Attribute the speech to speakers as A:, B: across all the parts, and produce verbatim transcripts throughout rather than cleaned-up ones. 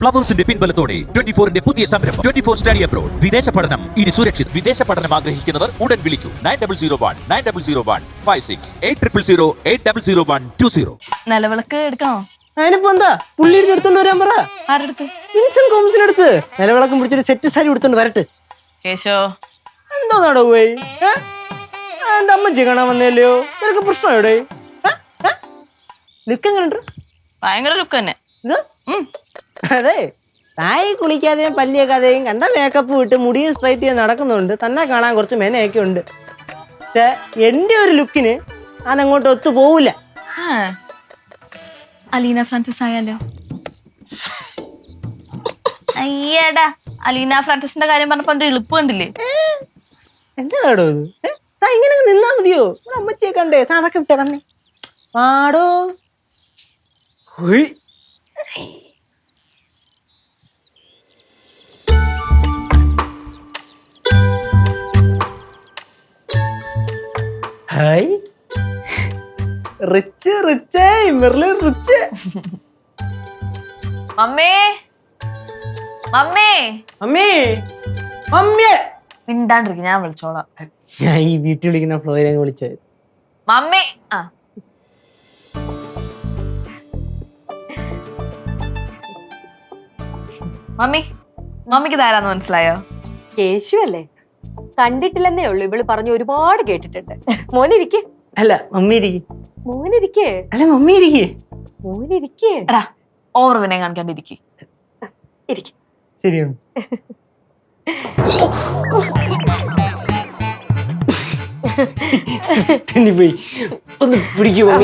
A: ഫ്ലവേഴ്സിന്റെ പിൻബലത്തോടെ twenty ഫോറിന്റെ പുതിയ സംരംഭം ട്വന്റി ഫോർ സ്റ്റഡി അബ്രോഡ്. വിദേശ പഠനം ഇനി സുരക്ഷിത്. വിദേശ പഠനം ആഗ്രഹിക്കുന്നവർ ഉടൻ വിളിക്കൂ nine double zero one nine double zero one five six eight triple zero eight double zero one two zero.
B: നിലവിളക്ക് എടുക്കണോ?
C: അതിനിപ്പോ എന്താ പുള്ളിയുടെ എടുത്തോണ്ട് വരാൻ പറ.
B: ആരെടുത്ത്?
C: വിൻസെന്റ് കോംസിനടുത്ത് നിലവിളക്കം പിടിച്ചൊരു സെറ്റ് സാരി എടുത്തോണ്ട് വരട്ടെ.
B: കേശോ
C: എന്തോ നടവേ എന്റെ അമ്മച്ചി കാണാൻ വന്നല്ലോ. നിനക്ക് പ്രശ്നം എവിടെ? ലുക്ക് എങ്ങനെയുണ്ട്?
B: ഭയങ്കര ലുക്ക് തന്നെ.
C: അതെ, തായി കുളിക്കാതെയും പല്ലിയേക്കാതെയും കണ്ട മേക്കപ്പ് വിട്ട് മുടിയും സ്ട്രൈറ്റ് ചെയ്ത് നടക്കുന്നുണ്ട്. തന്നെ കാണാൻ കുറച്ച് മെനയൊക്കെ ഉണ്ട്. പക്ഷെ എന്റെ ഒരു ലുക്കിന് ഞാൻ അങ്ങോട്ട് ഒത്തു പോവില്ല.
B: അലീന ഫ്രാൻസിസ് ആയാലോ? അയ്യടാ, അലീന ഫ്രാൻസിസിന്റെ കാര്യം പറഞ്ഞപ്പോ എന്റെ എളുപ്പ് കണ്ടില്ലേ?
C: എന്റെ നാടോ ഇത്? ഇങ്ങനെ നിന്നാ മതിയോ? അമ്മച്ചിയെ കണ്ടേ താ അതൊക്കെ വിട്ടേ വന്നേ പാടോ. Hi rich rich merely rich.
B: മമ്മേ മമ്മേ
C: മമ്മി മമ്മിയെ
B: മിണ്ടാണ്ടിരിക്കും, ഞാൻ വിളിച്ചോളാം.
C: ഞാൻ ഈ വീട്ടിൽ വിളിക്കുന്ന ഫ്ലോയിലെ വിളിച്ചത്.
B: മമ്മി ആ മമ്മി മമ്മിക്ക് ഇതാരാന്ന് മനസ്സിലായോ?
D: കേശു അല്ലേ? കണ്ടിട്ടില്ലെന്നേ ഉള്ളു, ഇവള് പറഞ്ഞു ഒരുപാട് കേട്ടിട്ടുണ്ട്. മോനിരിക്കേ.
C: അല്ല മമ്മി ഇരിക്കേ.
D: മോനിരിക്കേ.
C: അല്ല മമ്മി ഇരിക്കേ.
D: മോനിരിക്കേ.
B: എടാ ഓവർ വിനയം കാണിക്കാണ്ടിരിക്കേ.
D: ഇരിക്കേ.
C: ശരിയാണ്. പോയി ഒന്ന് പിടിക്കൂ മമ്മി.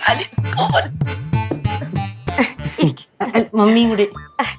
C: മമ്മിയും കൂടി.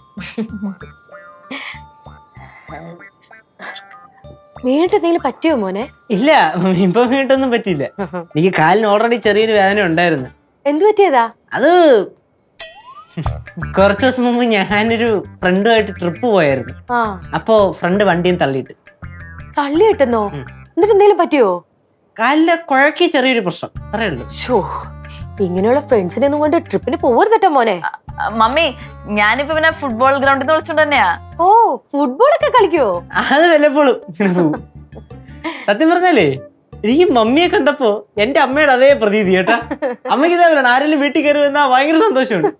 D: വീണ്ടും എന്തെങ്കിലും പറ്റിയോ മോനെ?
C: ഇല്ല മമ്മി, ഇപ്പൊ വീട്ടൊന്നും പറ്റില്ല. എനിക്ക് കാലിന് ഓൾറെഡി ചെറിയൊരു വേദന ഉണ്ടായിരുന്നു.
D: എന്തു പറ്റിയതാ?
C: അത് കുറച്ചു ദിവസം മുമ്പ് ഞാനൊരു ഫ്രണ്ടുമായിട്ട് ട്രിപ്പ് പോയായിരുന്നു.
D: ആ,
C: അപ്പോ ഫ്രണ്ട് വണ്ടിയും തള്ളിയിട്ട്.
D: തള്ളി കിട്ടുന്നോ? എന്നിട്ട് എന്തെങ്കിലും പറ്റിയോ?
C: കാലിലെ കുഴക്കി ചെറിയൊരു പ്രശ്നം, അത്രേ ഉള്ളൂ.
D: ഷോ, ഇങ്ങനെയുള്ള ഫ്രണ്ട്സിനെ ഒന്നും കൊണ്ട് ട്രിപ്പിന് പോവരുതട്ടോ മോനെ.
B: മമ്മി ഞാനിപ്പോ പിന്നെ ഫുട്ബോൾ ഗ്രൗണ്ടിൽ നിന്ന് വിളിച്ചോണ്ട് തന്നെയാ.
D: ഓ, ഫുട്ബോൾ ഒക്കെ കളിക്കോ?
C: അത് വല്ലപ്പോഴും ഇങ്ങനെ പോവും. സത്യം പറഞ്ഞാലേ എനിക്ക് മമ്മിയെ കണ്ടപ്പോ എന്റെ അമ്മയുടെ അതേ പ്രതീതി കേട്ടാ. അമ്മയ്ക്ക് ഇതേപോലെ ആരെങ്കിലും വീട്ടിൽ കയറി വന്നാ ഭയങ്കര സന്തോഷമുണ്ട്.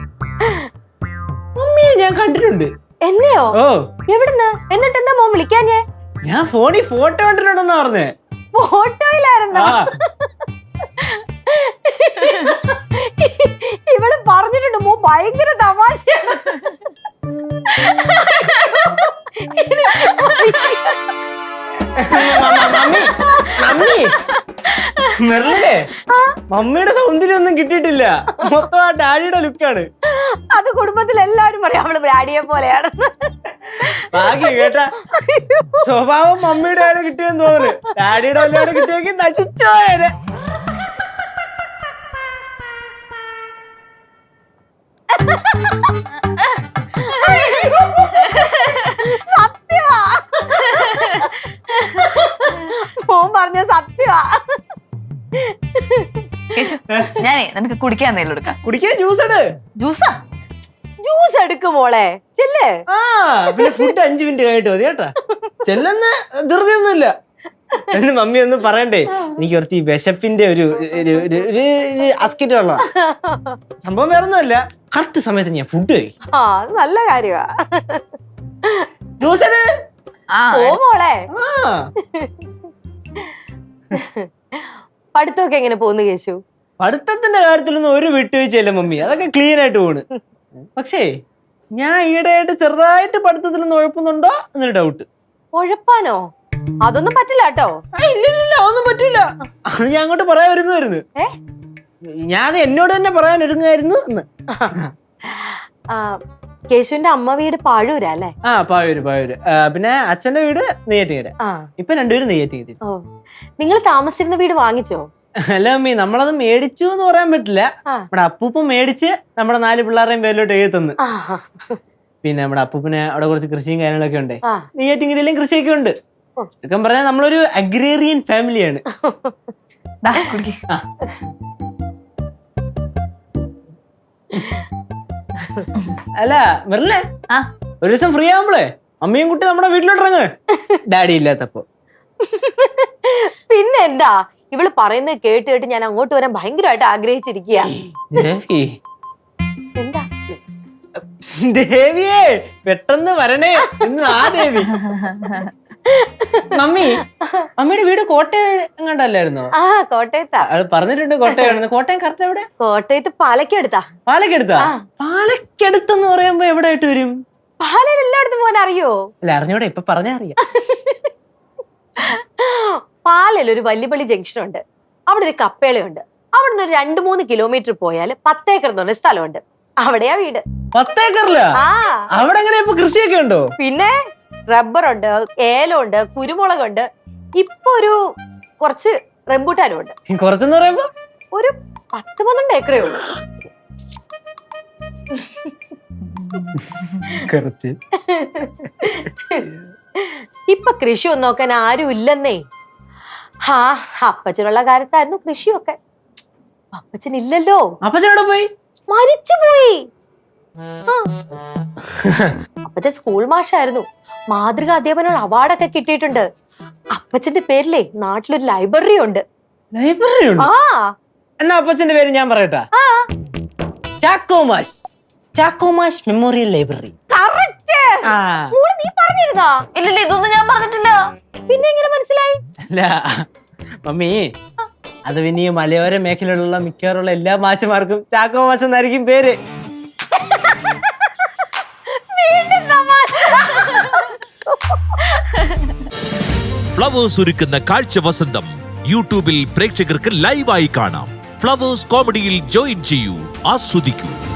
C: മമ്മിയെ ഞാൻ കണ്ടിട്ടുണ്ട്.
D: എന്നെയോ?
C: ഓ,
D: എവിടുന്ന്? എന്നിട്ട് എന്താ മോൻ വിളിക്കാഞ്ഞേ?
C: ഞാൻ ഫോണിൽ ഫോട്ടോ കണ്ടിട്ടുണ്ടെന്നാ പറഞ്ഞേ.
D: ഫോട്ടോയിലായിരുന്നോ? ഇവള് പറഞ്ഞിട്ടുണ്ട് മോ ഭയങ്കര തമാശയാണ്.
C: മമ്മി മമ്മി മെർലിനെ മമ്മിയുടെ സൗന്ദര്യം ഒന്നും കിട്ടിയിട്ടില്ല. മൊത്തം ആ ഡാഡിയുടെ ലുക്കാണ്.
D: അത് കുടുംബത്തിൽ എല്ലാവരും പറയാം അവള് ഡാഡിയെ പോലെയാണ്.
C: ഭാഗ്യം കേട്ടാ. സ്വഭാവം മമ്മിയുടെ ആണ് കിട്ടിയെന്ന് തോന്നുന്നു. ഡാഡിയുടെ വല്ലതാണ് കിട്ടിയെങ്കിൽ നശിച്ചോയേനെ.
D: സത്യമാ മോൻ പറഞ്ഞ സത്യമാ.
B: കേശു ഞാനേ നിനക്ക് കുടിക്കാൻ എന്തെങ്കിലും എടുക്കാം.
C: കുടിക്കാൻ ജ്യൂസ് ഇട്.
B: ജ്യൂസാ?
D: ജ്യൂസ് എടുക്കും മോളെ, ചെല്ലേ.
C: ആ പിന്നെ ഫുഡ് അഞ്ചു മിനിറ്റ് കഴിഞ്ഞിട്ട് മതി കേട്ടാ. ചെല്ലുന്ന ധൃതിയൊന്നുമില്ല. എന്ന് മമ്മി ഒന്നും പറയണ്ടേ, എനിക്ക് കുറച്ച് ഈ വിശപ്പിന്റെ ഒരു അസ്കിറ്റ് ഉള്ള സംഭവം. വേറെ ഒന്നുമല്ല, കറക്റ്റ് സമയത്ത് ഞാൻ ഫുഡ് കഴിക്കും.
D: ആ, അത് നല്ല കാര്യമാ.
C: ജ്യൂസ് ഇട്.
D: ഓ മോളെ.
C: ആ
D: പഠിത്തമൊക്കെ എങ്ങനെ പോകുന്നു കേശു?
C: പഠിത്തത്തിന്റെ കാര്യത്തിലൊന്നും ഒരു വിട്ടുവീഴ്ചയില്ല മമ്മി, അതൊക്കെ ക്ലീൻ ആയിട്ട് പോണ്. പക്ഷേ ഞാൻ ഈയിടെയായിട്ട് ചെറുതായിട്ട് പഠിത്തത്തിലൊന്നും ഉഴപ്പുന്നുണ്ടോ എന്നൊരു ഡൗട്ട്.
D: ഉഴപ്പാനോ? അതൊന്നും പറ്റില്ല കേട്ടോ.
C: ഇല്ലില്ല, അതൊന്നും പറ്റില്ല. അത് ഞാൻ അങ്ങോട്ട് പറയാൻ ഒരുങ്ങായിരുന്നു. ഞാൻ അത് എന്നോട് തന്നെ പറയാൻ ഒരുങ്ങായിരുന്നു എന്ന്.
D: കേശുവിന്റെ അമ്മ വീട് പാഴൂരാ അല്ലേ?
C: ആ, പായൂര് പായൂര്. പിന്നെ അച്ഛന്റെ വീട് നെയ്യാറ്റിൻകര. ഇപ്പൊ രണ്ടുപേരും നെയ്യാറ്റിൻകര.
D: ഓ, നിങ്ങൾ താമസിച്ചിരുന്ന വീട് വാങ്ങിച്ചോ?
C: അല്ല മമ്മി, നമ്മളത് മേടിച്ചു എന്ന് പറയാൻ പറ്റില്ല. നമ്മുടെ അപ്പൂപ്പ മേടിച്ച് നമ്മുടെ നാല് പിള്ളേരുടെയും പേരിലോട്ട് എഴുതി തന്നു. പിന്നെ നമ്മുടെ അപ്പൂപ്പിന് അവിടെ കുറച്ച് കൃഷിയും കാര്യങ്ങളൊക്കെ ഉണ്ട്. നെയ്യാറ്റിൻകരയിലും കൃഷിയൊക്കെ ഉണ്ട്. ഇതൊക്കെ പറഞ്ഞാൽ നമ്മളൊരു അഗ്രേറിയൻ ഫാമിലിയാണ്. അല്ല മെറിലെ
B: ആ
C: ഒരു ദിവസം ഫ്രീ ആവുമ്പളേ അമ്മയും കുട്ടി നമ്മുടെ വീട്ടിലോട്ട് ഇറങ്ങ്. ഡാഡി ഇല്ലാത്തപ്പോ.
D: പിന്നെ എന്താ ഇവള് പറയുന്നത് കേട്ട് കേട്ട് ഞാൻ അങ്ങോട്ട് വരാൻ ഭയങ്കരമായിട്ട് ആഗ്രഹിച്ചിരിക്കുക.
C: ദേവി
D: എന്താ
C: ദേവിയേ പെട്ടെന്ന് വരണേ എന്ന് ആ ദേവി. മമ്മി മമ്മിയുടെ വീട് കോട്ടയം എങ്ങാണ്ടല്ലായിരുന്നോ?
D: ആ കോട്ടയത്താ.
C: അത് പറഞ്ഞിട്ടുണ്ട് കോട്ടയം. കോട്ടയം കറക്റ്റ് എവിടെ?
D: കോട്ടയത്ത് പാലക്കടുത്താ.
C: പാലക്കടുത്താ? പാലക്കടുത്തെന്ന് പറയുമ്പോ എവിടെ ആയിട്ട് വരും?
D: പാലയിൽ എല്ലായിടത്തും പോകാൻ അറിയോ?
C: അല്ല അറിഞ്ഞൂടെ, ഇപ്പൊ പറഞ്ഞാ അറിയാം.
D: പാലയിൽ ഒരു വല്യപള്ളി ജംഗ്ഷൻ ഉണ്ട്. അവിടെ ഒരു കപ്പേളയുണ്ട്. അവിടെ നിന്ന് ഒരു രണ്ടു മൂന്ന് കിലോമീറ്റർ പോയാൽ പത്തേക്കർ എന്ന് പറഞ്ഞ സ്ഥലമുണ്ട്. അവിടെയാ വീട്.
C: പത്തേക്കറിലാ?
D: ആ
C: അവിടെ എങ്ങനെ ഇപ്പൊ കൃഷിയൊക്കെ ഉണ്ടോ?
D: പിന്നെ റബ്ബറുണ്ട്, ഏലമുണ്ട്, കുരുമുളകുണ്ട്. ഇപ്പൊ ഒരു കുറച്ച് റംബൂട്ടാനും ഉണ്ട്.
C: കുറച്ചെന്ന് പറയുമ്പോ
D: ഒരു പത്ത് പന്ത്രണ്ട് ഏക്കറേ ഉള്ളൂ.
C: കുറച്ച്.
D: ഇപ്പൊ കൃഷി ഒന്നും നോക്കാൻ ആരും ഇല്ലെന്നേ. ഹാ അപ്പച്ചനുള്ള കാര്യത്തായിരുന്നു കൃഷിയൊക്കെ. അപ്പച്ചൻ ഇല്ലല്ലോ.
C: അപ്പച്ചനോട് പോയി
D: മരിച്ചുപോയി. അപ്പച്ചൻ സ്കൂൾ മാഷായിരുന്നു. മാതൃകാ അധ്യാപന അവാർഡൊക്കെ കിട്ടിയിട്ടുണ്ട്. അപ്പച്ചന്റെ പേരിലേ നാട്ടിലൊരു ലൈബ്രറി ഉണ്ട്.
C: ലൈബ്രറി ഉണ്ട്?
D: ആ
C: എന്നാ അപ്പച്ചന്റെ പേര് ഞാൻ പറയട്ടാ. Chacko Mash. Chacko Mash memorial library.
D: Correct. നീ പറഞ്ഞിരുന്നാ?
B: ഇല്ലില്ല, ഇതൊന്നും ഞാൻ പറഞ്ഞിട്ടില്ല.
D: പിന്നെ എങ്ങനെ മനസ്സിലായി?
C: അല്ല മമ്മി, അത് പിന്നെ ഈ മലയോര മേഖലയിലുള്ള മിക്കവാറുള്ള എല്ലാ മാഷന്മാർക്കും ചാക്കോ മാഷ് എന്നായിരിക്കും പേര്.
A: ഫ്ലവേഴ്സ് ഒരുക്കുന്ന കാഴ്ച വസന്തം യൂട്യൂബിൽ പ്രേക്ഷകർക്ക് ലൈവായി കാണാം. ഫ്ലവേഴ്സ് കോമഡിയിൽ ജോയിൻ ചെയ്യൂ, ആസ്വദിക്കൂ.